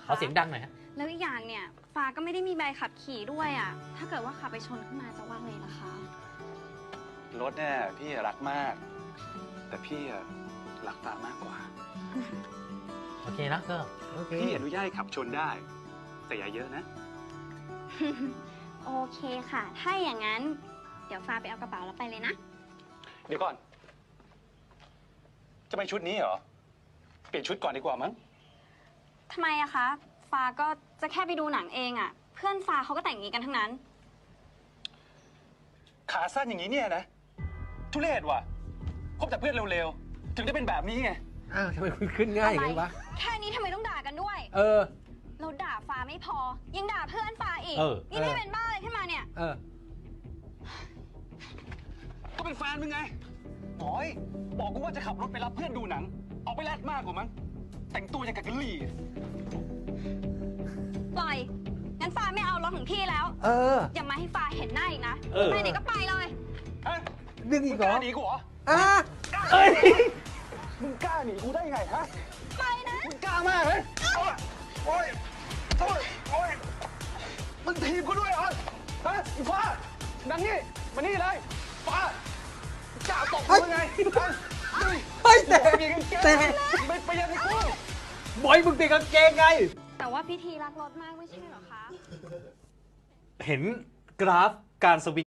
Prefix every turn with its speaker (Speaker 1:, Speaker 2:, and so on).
Speaker 1: ขอเสียงดังหน่อยฮะ
Speaker 2: แล้วอีกอย่างเนี่ยฟ้าก็ไม่ได้มีใบขับขี่ด้วยอ่ะถ้าเกิดว่าขับไปชนขึ้นมาจะว่าไงล่ะคะ
Speaker 3: รถเนี่ยพี่รักมาก แต่พี่รักฟ้ามากกว่า
Speaker 1: โอเคนะก็โอเค
Speaker 3: พี่อนุญาตให้ขับชนได้ แต่อย่าเยอะนะ
Speaker 2: โอเคค่ะ ถ้าอย่างนั้น เดี๋ยวฟ้าไปเอากระเป๋าแล้วไปเลยนะ
Speaker 3: เดี๋ยวก่อน จะไปชุดนี้เหรอ เปลี่ยนชุดก่อนดีกว่ามั้ง
Speaker 2: ทำไมอะคะฟ้าก็จะแค่ไปดูหนังเองอะเพื่อนฟ้าเขาก็แต่งอย่างนี้กันทั้งนั้น
Speaker 3: ขาสั้นอย่างนี้เนี่ยนะ ทุเรศว่ะคบแต่เพื่อนเร็วๆ ถึงได้เป็นแบบนี้ไง
Speaker 1: อ้าวทำไมคุณขึ้นง่ายอย่างนี้วะ
Speaker 2: แค่นี้ทำไมต้องด่ากันด้วย
Speaker 1: เออ
Speaker 2: เราด่าฟ้าไม่พอ ยังด่าเพื่อนฟ้าอีก
Speaker 1: เออ
Speaker 2: นี่ไม่เป็นบ้าอะไรขึ้นมาเนี่ย
Speaker 1: เออ
Speaker 3: ก็เป็นแฟนมึงไงโอยบอกกูว่าจะขับรถไปรับเพื่อนดูหนัง ออกไปแลดมากกว่ามั้ง แต่งตัวอย่างกับกะหรี่
Speaker 2: ปล่อย งั้นฟ้าไม่เอารถของพี่แล้ว
Speaker 1: เออ
Speaker 2: อย่ามาให้ฟ้าเห็นหน้าอีกนะ
Speaker 1: เออ
Speaker 2: ไปไหนก็ไปเลย
Speaker 3: ฮะ
Speaker 1: ดึง
Speaker 3: มึ
Speaker 1: อี
Speaker 3: ง
Speaker 1: ก
Speaker 3: ก
Speaker 1: เหรอ
Speaker 3: ล้าหนีกูเหรอ
Speaker 1: อ่ะเอ้ย
Speaker 3: มึงกล้าหนีกูได้ไงฮะ
Speaker 2: ไปนะ
Speaker 3: มึงกล้ามากเลยโอ๊ยโอ๊ยโอ๊ยมึงทีบกูด้วยเหรอ ฮะอีฟ้าดังนี่ มานี่เลย ฟ้ากล้าตบกูไงฮะ
Speaker 1: เฮ้ยแต่
Speaker 3: เปลี่ยนกางเกง
Speaker 1: แต่
Speaker 3: ไม่เปลี่ยนให้กู
Speaker 1: บอยมึงเปลี่ยนกางเกงไง
Speaker 2: แต่ว่าพิธีรักรถมากไม่ใช่เหรอคะ
Speaker 1: เห็นกราฟการสวิง